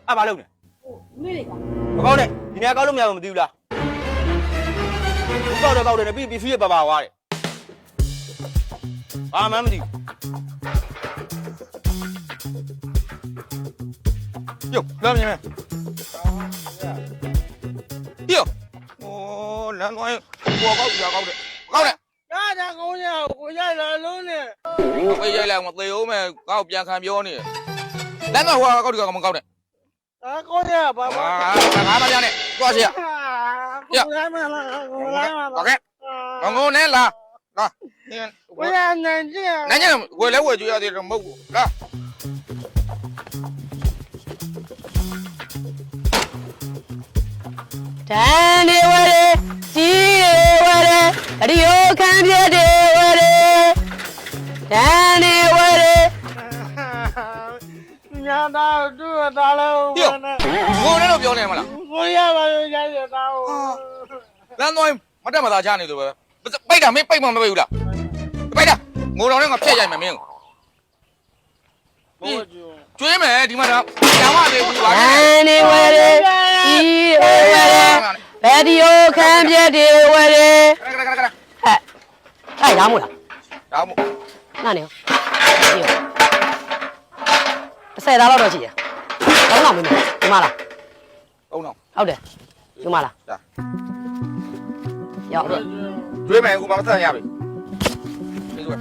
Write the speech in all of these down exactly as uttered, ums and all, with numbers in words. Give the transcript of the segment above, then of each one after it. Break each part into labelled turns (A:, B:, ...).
A: အဲ့ဘာလုပ်နေ
B: နေလေက
A: မကောင်းနဲ့ဒီနေရာကောက်လို့မရဘူးမသိဘူးလားဘူးကောက်တယ်ကောက်တယ်ပြီးပြီးဆွေးရပါပါွားတယ်ဘာမှမသိဘူးယောလာမြင်မယ်ယောโอ้လမ်းသွားကိုကောက်ပြကောက်တယ်ကောက်တယ်
B: ဒါဒါကောင်းရကိုရိုက်လာလုံးနဲ့
A: ဝေးရိုက်လိုက်မသေးဦးမယ်ကောက်ပြန်ခံပြောနေလမ်းသွားဟိုကောက်တယ်ကောက်မကောက်နဲ့
B: ဒါကောင်းရဘာဘာ
A: ငါမပြန်နဲ့သွားစီရ
B: ကိုရိုက်မလားကိုရိုက်မလား
A: โอเคငငုံနဲ့လာလာ
B: ဝေးနိုင်ကြ
A: နိုင်ကြဝေလဲဝေကြရသေးတယ်မဟုတ်ဘူးလာ
C: တန်နေဝရဲကြီးဝရဲအဒီယိုခံပြတဲ့ဝရဲတန်နေဝရဲ
B: ညာတော့သူ့တားလို့
A: ငိုနေလို့ပြောနေမလား
B: ကိုရပါရိုက်ရတာဟို
A: လမ်းသွားမတက်မသာချနေလို့ပဲပိတ်တာမင်းပိတ်မှမပိတ်ဘူးလားပိတ်တာငိုတော်နဲ့ငါဖြတ်ရိုက်မယ်မင်းကိုကျွေးမယ်ဒီမှာတော့ကျောင်းမလေးဘူးပါ
C: နဲ့နေဝရဲကြီးဝရဲဗီဒီယိုခံပြတဲ့ဝရဲဟဲ့အဲ့ရမို့လား
A: ရမို့
C: နားနေတစ်ဆယ်သားတော့ရှိရတောင်းတော့မင်းဒီမှာလား
A: အုံတော့
C: ဟုတ်တယ်ဒီမှာလားရောက်
A: ကျွေးမယ်အခုမမဆက်ရပြီဒီကွ
C: ဟဲ့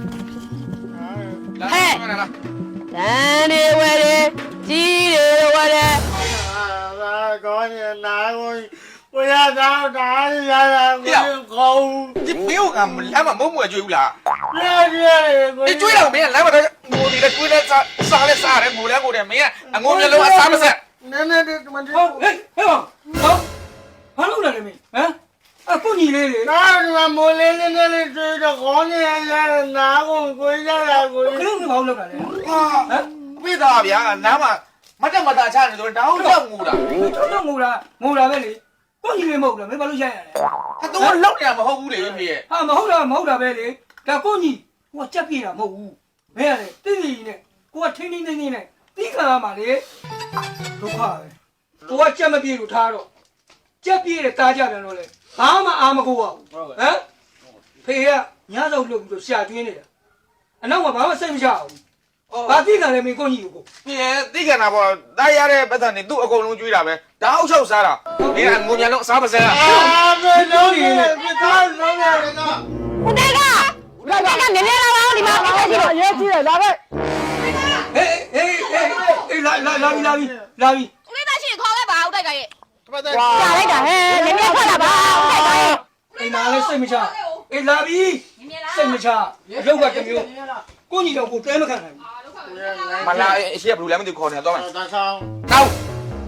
C: တန်နေဝရဲကြီးတယ်ဝရဲ
B: အာကောင်းရနာကိုကိုရတော့တားရတာကိုကောင်း
A: ဒီမင်းကလမ်းမှာမုံမွယ်ကျွေးဘူးလား
B: ရရကို
A: ဒီကျွေးတော့မင်းလမ်းမှာတော့ငိုနေတယ်ကျွေးလဲစားစားလဲစားတယ်ငိုလဲငိုတယ်မင်းကအငိုမျိုးလုံးအစားမဆက်
B: နည်းနည်းဒီမန်
D: ဟုတ်ဟဲ့ဟဲ့ပါဟုတ်ဘာလုပ်လာလဲမင်းဟမ်အခုညီလေးလေ
B: နာဒီမှာမိုးလေးလေးလေးတွေ့တော့ကောင်းနေရနာကိုကိုရတာကို
D: ခလုံးကဘာလုပ်လာလဲ
A: ဟာဟမ်ပြတာဗျာနားမှာမတက်မတာချနေဆိုတော့တောင်းတော့ငိုတာ
D: တော့ငိုတာငိုတာပဲလေကိုညီလေးမဟုတ်လားမင်းဘာလို့ရိုက်ရလဲ
A: ဟာတော့လောက်နေရမဟုတ်ဘူးလေဖေရဲ့
D: ဟာမဟုတ်တာမဟုတ်တာပဲလေဒါကိုညီကိုကကြက်ပြေးတာမဟုတ်ဘူးမင်းကလေတိတိနဲ့ကိုကထိန်းထိန်းသိမ်းသိမ်းနဲ့တီးခံရမှာလေဒုက္ခပဲကိုကကြက်မပြေးလို့ထားတော့ကြက်ပြေးတယ်တားကြပြန်တော့လေဘာမှအာမကိုပါဘူးဟမ်ဖေကညစောက်လုပ်ပြီးတော့ရှာကျွင်းနေတာအနောက်ကဘာမှစိတ်မချဘူးဘာတိခံလဲမင်းကိုညီကို
A: ဖေရဲ့တိခံတာပေါ့တားရတဲ့ပတ်စံနေသူ့အကုန်လုံးကျွေးတာပဲဒါအောက်လျှောက်စားတာမင်းကငိုမြန်လုံးအစားမစဲတာ
B: အာမေလုံးနေပြသားလုံးရတယ်က
C: ဦးတေကဦးတေကနည်းနည်းလာပါဦးဒီမှာပြည့်ကြည့်တော့ရေးကြည့်တယ်လာပဲ
D: ဟေးဟေးဟေးဟေးလာလာလာပြီလာပြီလာပြီ
C: ဦးလေးသားရှိခေါ်ခဲ့ပါဦးတိုက်ကရဲ့ကြာလိုက်တာဟဲ့နည်းနည်းထွက်လာပါဦးတိုက်ကရဲ့
D: အိမ်မှာလည်းစိတ်မချအေးလာပြီစိတ်မချရုပ်ကတမျိုးကိုညီတော့ကိုတဲမခံနိုင်
A: ဘူးမလာအရှိကဘလူးလည်းမသိခေါ်နေတော့မယ်
B: တာဆောင်
A: တောင်း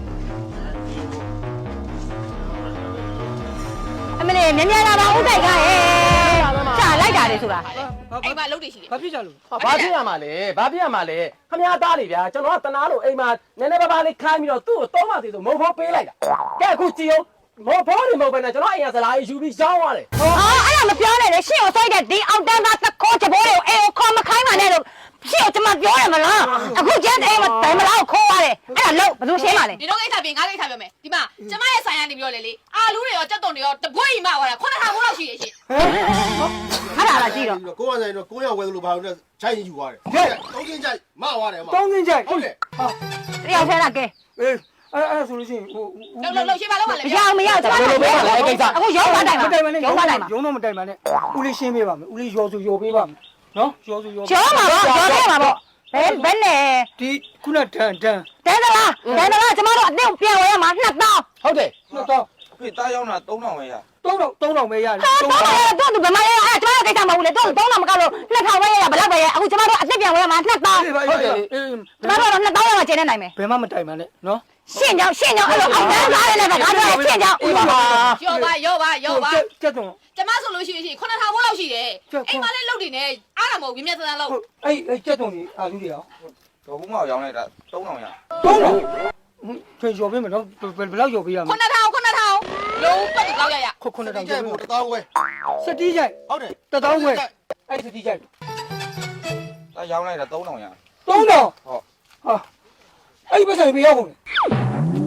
C: အမလေးနည်းနည်းလာပါဦးတိုက်ကရဲ့ကြာလိုက်တာလေဆိုတာအိမ်မှာလုပ်နေရှိတယ်
D: ဘာဖြစ်ကြလို့
E: ဘာဖြစ်ရမှာလဲဘာဖြစ်ရမှာလဲခမရသားလေဗျာကျွန်တော်ကတနာလို့အိမ်မှာနည်းနည်းပါးပါးလေးခိုင်းပြီးတော့သူ့ကိုသုံးပါသေးဆိုမုံဖိုးပေးလိုက်တာကဲအခုကြည့်အောင်မဖိုးနေမဟုတ်ဘဲနဲ့ကျွန်တော်အိမ်ကစလားယူပြီးရောင်းသွားတယ်
C: ဟာအဲ့ဒါမပြောနဲ့လေရှင့်ကိုစိုက်တဲ့ဒီအောင်တန်းသားတစ်ခေါ်ချဘောတွေကိုအေးကိုခေါ်မခိုင်းပါနဲ့လို့ရှင့်ကိုကျွန်မပြောရမလားအခုကျန်တဲ့အိမ်မှာတိုင်မလားကိုခေါ်ရတယ်အဲ့ဒါလို့ဘယ်သူရှင်းပါလဲ
F: ဒီတော့ကိစ္စပြင်ငါကိစ္စပြောမယ်ဒီမှာကျမရဲ့ဆိုင်ရနေပြောလေလေအာလူတွေရောကြက်တုံတွေရောတပွေးကြီးမှဟောတာခုနကဘိုးလောက်ရှိရရှင်
C: ဟာလာလာကြည့်တော့
B: ကိုကဆိုင်တော့ကိုရောက်ဝဲလို့ဘာလို့ချိုင်းယူသွားတယ်သုံးချင်းချိုက်မသွားတယ်မ
D: သုံးချင်းချိုက်
B: ဟုတ်တယ်
D: ဟာ
C: တယောက်ထဲလာကဲ
D: အေးအဲ့အဲ့ဆိုလို့ရှိရင်ဟို
F: လောက်လောက်လောက်ရှင်းပါလောက်ပါလေ
C: မရမရကျွန်တော်တို့ပြောပါလေအဲ့ကိစ္စအခုရုံးသွားတိုင်ပါရုံးသွားတိုင်ပါ
D: ရုံးတော့မတိုင်ပါနဲ့ဦးလေးရှင်းပေးပါမယ်ဦးလေးရောစုရောပေးပါမယ်နော်ရောစုရော
C: ကျော်ပါတော့ကျော်ပေးပါပေါ့ဘယ်ဘယ်နဲ့
D: ဒီခုနတန်တန်
C: တန်းသလားတန်းသလားကျမတို့အတင်းပြန်ဝဲရမှာနှစ်တောင်း
E: ဟုတ်တယ်
D: နှစ်တောင်း
A: ဖေတားရောက်တာသုံးထောင်ပဲရ
D: သုံးထောင်သုံးထောင်ပဲရတယ်
C: သုံးထောင်တော့သူဘယ်မှာလဲအဲ့ကျမတို့ကိစ္စမဟုတ်လေသူသုံးထောင်မကလို့နှစ်ထောင်ပဲရဘယ်လောက်ပဲရအခုကျမတို့အတင်းပြန်ဝဲရမှာနှစ်တောင်း
D: ဟုတ်တယ်
C: ကျမတို့တော့နှစ်တောင်းရမှာကျင်းနေနိုင်မယ်
D: ဘယ်မှမတိုင်ပါနဲ့နော်
C: ရှင်းကြောင်ရှင်းကြောင်အဲ့လိုအောင်တန်းသားရလည်းပဲငါတို့ရှင်းကြောင်
F: ရောပါရောပါရောပါ
D: ကျက်တုံ
F: ကျမဆိုလို့ရှိရင်ခုနကဘိုးလောက်ရှိတယ်အိမ်မှာလည်းလုတ်နေနေအားတာမဟုတ်ဘူးမြတ်သန်းလောက်
D: အဲ့အဲ့ကျက်တုံကြီးအာလူတွေရော
A: တော့ဘူးမအောင်ရောင်းလိုက်တာသုံးထောင်ရ
D: သုံးထောင်ဖေးရောပေးမယ်နော်ဘယ်လောက်ရောပေးရမလဲ
F: ခုနထောင်ခုနထောင်လုံးပတ်ကောက်ရရ
D: ခုခုနထောင်
B: ကျိုက်ဖို့တသောဝဲ
D: စတီးကျိုက်
B: ဟုတ်တယ်
D: တသောဝဲအဲ့စတီးကျိုက်
A: တာရောင်းလိုက်တာသုံးထောင်ရ
D: သုံးထောင်
A: ဟုတ်
D: ဟာအဲ့ဒီပတ်စံပေးရကုန်လေ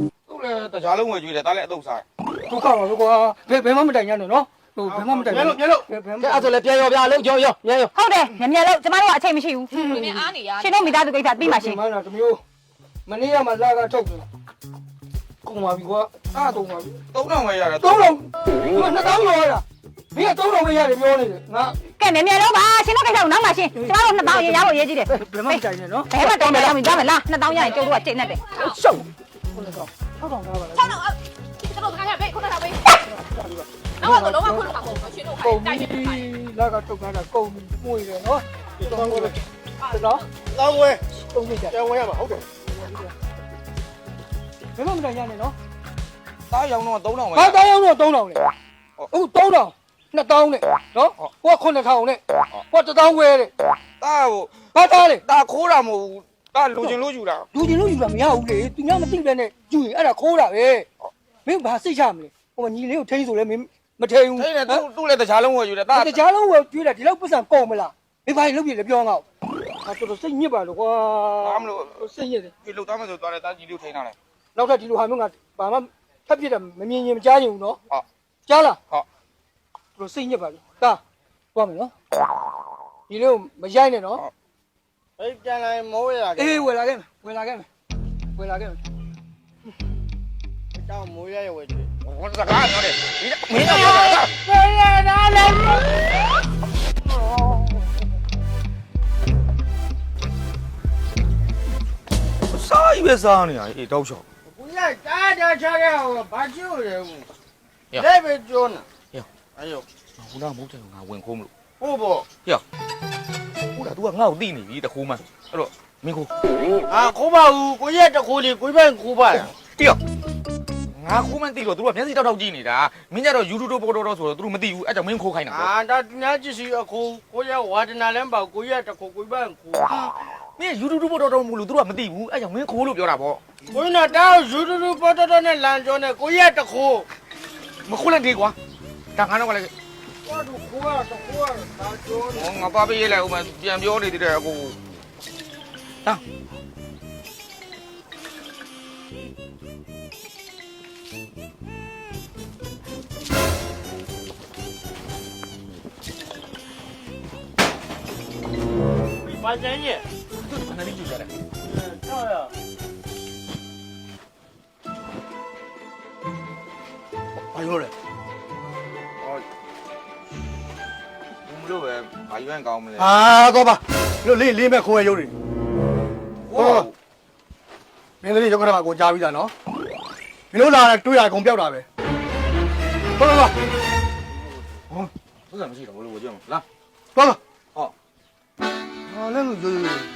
A: လည်းတကြားလုံးဝကျွေးတယ်ဒါလည်းအတုပ်စား
D: ဒုက္ခပါပဲကွာဘယ်ဘယ်မှမတိုင်ရနဲ့နော်ဟိုဘယ်မှမတိုင်
B: မြဲလို့မြဲလို့
D: ဘယ်ဘယ်မှ
E: ကဲအဲ့ဆိုလည်းပြန်ရောဗျာလုံးရောရောမြန်ရော
C: ဟုတ်တယ်မြန်မြန်လို့ကျမတို့ကအချိန်မရှိဘူး
F: ဒီနေ့အားနေရ
C: ရှင်တို့မိသားစုကိစ္စပြီးမှရှင်
D: မလားတမျိုးမနေ့ကမှလာကထုတ်တယ်ကုန်ပါပြီကွာအားတော့ပါပြီ
A: သုံးထောင်ပဲရတယ်
D: သုံးလုံးဒီနှစ်တောင်းရောရတာမင်းကသုံးလုံးပဲရတယ်ပြောနေတယ်ငါ
C: ကဲမြန်မြန်လို့ပါရှင်တို့ကိစ္စကိုနောက်မှရှင်ကျမတို့နှစ်ပေါင်းရရဖို့ရေးကြည့်တယ်
D: ဘယ်မှမတိုင်နဲ့နော်
C: ဘယ်မှတောင်းမယ်လားမကြားမလားနှစ်တောင်းရရင်ကျုပ်တို့ကချိန်နေတယ်
D: ရှုပ်ခုနကတော့ထောက်ထောင်ထားပါလား
F: ဆောင်းတော့ကျွန်တော်ခိုင်းရပဲခုနကပဲအော်တော့လုံးဝခုနကမဟုတ်ဘူးရှင်တို့ခို
D: ကုန်
F: င်းတို
D: ပြီ
F: င်နေတယ်
D: လာကထုတ်ထားတာကုန်ပြီမှုရယ်နော်ဒီတော့ကိုနော်
B: လောင်းဝဲ
D: ကုန်ပြီကြ
B: ကျန်ဝဲရမှာဟုတ်တယ်
D: ဘယ်မှမတိုင်ရနဲ့နော်
A: သားရောင်တော့သုံးထောင်ပဲ
D: ဟာတောင်းအောင်တော့သုံးတောင်းလေဟုတ်သုံးတောင်းနှစ်တောင်းနဲ့နော်ဟိုကခုနှစ်ထောင်နဲ့ဟိုတစ်တောင်းခွဲတဲ့
A: သားဟို
D: ဘာသားလေ
A: သားခိုးတာမဟုတ်ဘူးသားလူချင်းလို့ယူတာ
D: လူချင်းလို့ယူတာမရဘူးလေသူများမသိပဲနဲ့ယူရင်အဲ့ဒါခိုးတာပဲမင်းဘာစိတ်ချမလဲဟိုညီလေးကိုထိန်းဆိုလဲမင်းမထိန်းဘူး
A: အဲ့ဒါသူ့သူ့လည်းတကြားလုံးဝကျွေးတယ်သား
D: တကြားလုံးဝကျွေးတယ်ဒီလောက်ပတ်စံကုန်မလားမင်းဘာလုပ်ပြလဲပြောငါ့ဟာတော်တော်စိတ်ညစ်ပါလို့ကွာ
A: ဘာမလို့
D: စိတ်ညစ်တယ်
A: ဒီလူသားမဆိုသွားတယ်သားကြီးလေးထိန်းထားတယ်
D: နောက်ထပ်ဒီလိုဟာမျိုးငါဘာမှထပ်ပြစ်တယ်မမြင်ရင်မကြားရင်ဘူးနော်
A: ဟုတ်
D: ကြားလား
A: ဟုတ်
D: သူတို့စိတ်ညစ်ပါလို့တာသွားမယ်နော်ဒီလိုမရိုက်နဲ့နော်
B: အဲ့ပြန်လာမိုးရ
D: အေးဝယ်လာခဲ့မယ်ဝယ်လာခဲ့မယ်ဝယ်လာခဲ့မယ်
B: အကြောင်းမိုးရရဝဲကျွေး
A: ဟိုစကားပြောတယ်ဒီမင်းကပြောတာ
B: ဝဲရတာလည်း
A: စားကြီးပဲစားနေရအေးတောက်ချောက်
B: ကိုရတာတာချခဲ့ဟောဘာကျွေးလဲဘူးလက်ပဲကျွန်းအဲ့ယော
A: ဟိုတော့မဟုတ်တယ်ငါဝင်ခိုးမလို့
B: ဟုတ်ပေါ့
A: ဟိုတော့ तू ကငါ့ကိုတိနေပြီတခိုးမှအဲ့တော့မင်းခိုး
B: အာခိုးပါဘူးကိုရတခိုးလေးကိုပိုင်ခိုးပါလား
A: တိရောငါခိုးမှတိလို့ तू ကမျက်စိတောက်တောက်ကြည့်နေတာမင်းကြတော့ YouTube ပေါ်တော့ဆိုတော့ तू မသိဘူးအဲ့ကြောင့်မင်းခိုးခိုင်းတာ
B: အာဒါသူများကြည့်စီအခိုးကိုရဝါဒနာလဲပါကိုရတခိုးကိုပိုင်ခိုး
A: မင်း YouTube ပေါ်တော့မို့လို့ तू ကမသိဘူးအဲ့ကြောင့်မင်းခိုးလို့ပြောတာပေါ့
B: ကိုရတောက်ယူတူတူပေါ်တော်နဲ့လမ်းကျော်နဲ့ကိုရတခိုး
A: မခိုးလိုက်သေးကွာဒါငါတော့ကလည်း
B: ဘာလို့ခိုးရတခိုးရတာကျော်
A: ဟောငါပါပေးရလိုက်ဦးမပြန်ပြောနေသေးတယ်အကိုဟာ
B: ဘာကျန်ရဲ့
A: သူကလည်းကြည့်ကြတယ်
B: ဆောက်ရ
A: ဘာလို့လဲဟောဘူးမလို့ပဲဘာယူရင်ကောင်းမလဲ
B: အာတော့ပါလို့လေးလေးမဲ့ခိုးရရုပ်တွေ
A: ဟော
B: မင်းတို့ရုပ်ခရမှာကိုကြားပြီးသားနော်မင်းတို့လာတယ်တွေ့ရအကုန်ပြောက်တာပဲဟုတ်လား
A: သူကမရှိတော့ဘူးလို့ပြောမှာလား
B: သွားလား
A: ဟော
B: ဟာလည်းလို့ရိုးရိုး
A: ဟေ့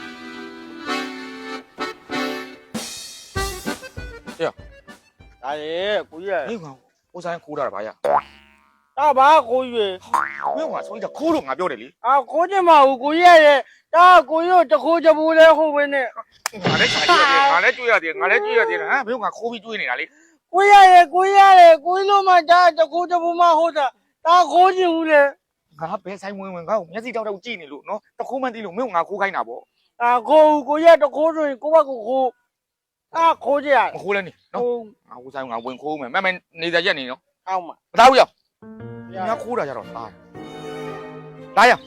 B: ဒါရေကိုရ
A: မင်းကကိုဆိုင်ခိုးတာဗာရ
B: တာဘာကိုရ
A: မင်းကဆိုရင်ခိုးလို့ငါပြောတယ်လေ
B: အာကိုကျမဘူးကိုရရဲ့တာကိုရတခိုးချဘူးလဲဟုတ်ပဲနဲ့
A: ငါလည်းဆိုင်ရတယ်ငါလည်းကြွေးရတယ်ငါလည်းကြွေးရတယ်ဟမ်မင်းကခိုးပြီးကြွေးနေတာလေ
B: ကိုရရဲ့ကိုရရဲ့ကိုလို့မှဒါတခိုးချဘူးမဟုတ်တာတာခိုးချင်ဘူးလေ
A: ငါဘယ်ဆိုင်ဝင်ဝင်ငါ့ကိုမျက်စိတောက်တောက်ကြည့်နေလို့နော်တခိုးမှန်းသိလို့မင်းကငါခိုးခိုင်းတာပေါ့
B: အာကိုကိုရတခိုးဆိုရင်ကိုဘကိုခိုးအာခိုးကြရ
A: မခိုးလဲနေနော်
B: ဟုတ်
A: ငါကိုဆိုင်ငါဝင်ခိုးမယ်မမနေကြရက်နေနော်
B: ကောင်းမှာ
A: မသားဘူးရောက်ငါခိုးတာကြတော့သားလာရ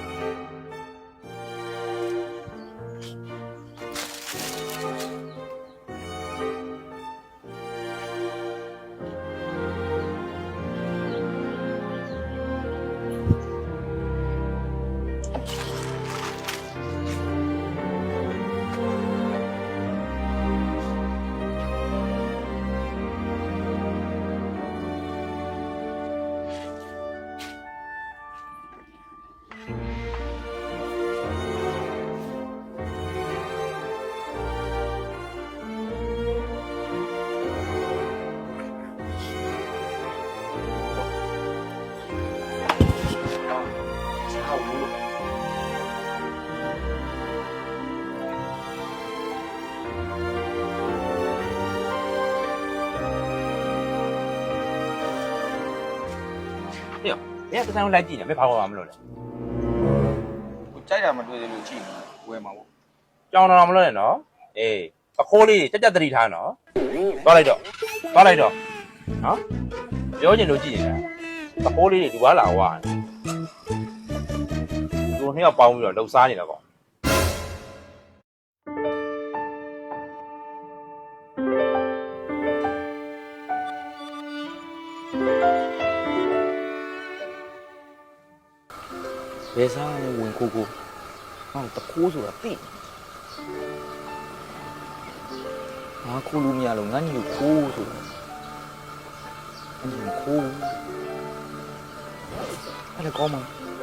G: မင်းကတဆိုင်လိုက်ကြည့်နေမင်းဘာမှမလုပ်လဲ
A: ကိုကြိုက်တာမတွေ့သေးလို့ကြည့်နေဝယ်မှာပေါ့
G: ကြောင်တော်မလုပ်နဲ့နော်အေးအခိုးလေးကြက်ကြက်တတိထားနော်သွားလိုက်တော့သွားလိုက်တော့နော်ပြောချင်လို့ကြည့်နေတာတပိုးလေးတွေဒီဘွားလာဝါသူနှစ်ယောက်ပေါင်းပြီးတော့လှုပ်ရှားနေတာကောဘယ်စားဝင်ကိုကိုဟောတကိုးဆိုတာတိငါခိုးလို့မရလို့ငါညီကိုခိုးဆိုတာအင်းခိုးအဲ့ဒါကောင်းမှာ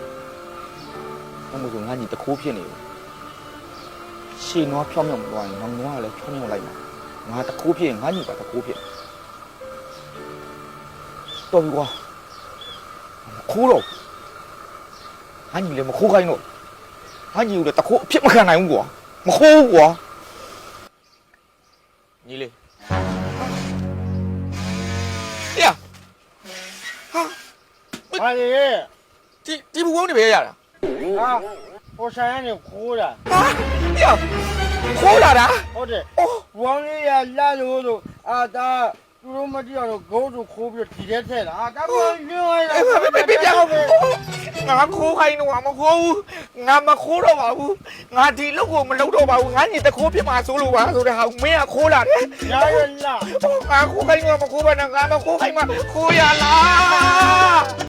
G: ဘာလို့ငါညီတကိုးဖြစ်နေလဲရှင်းတော့ဖြောင်းမြောင်းမသွားရင်ငါငါကလည်းဖြောင်းမြောင်းလိုက်မှာငါတကိုးဖြစ်ရင်ငါညီကတကိုးဖြစ်တော်ပြီကွာခိုးတော့ငါညီလည်းမခိုးခိုင်းတော့ငါညီကိုလည်းတကိုးအဖြစ်မခံနိုင်ဘူးကွာမခိုးဘူးကွာညီလေး呀，啊，
B: ဟာလေ
A: ဒီဒီဘူကုန်းနေပဲရတာ
B: ဟာဟိုဆိုင်ကနေခိုးတာ
A: ဟာ呀ခိုးလာတာ
B: ဟုတ်တယ်ဝေါင်းလေးရလာလို့ဆိုအာဒါသူတို့မကြည့်တော့ဂိုးတို့ခိုးပြီးဒီထဲထည့်တာအာဒါကညွှန်းလိုက်တာ
A: ပြပြပြငါခိုးခိုင်းတော့မခိုးဘူးငါမခိုးတော့ပါဘူးငါဒီလောက်ကိုမလုပ်တော့ပါဘူးငါညီတခိုးဖြစ်မှာဆိုလို့ပါဆိုတဲ့ဟာမင်းကခိုးလာတယ်
B: ရရလား
A: ငါခိုးခိုင်းတော့မခိုးပါနဲ့ငါမခိုးခိုင်းမှာခိုးရလား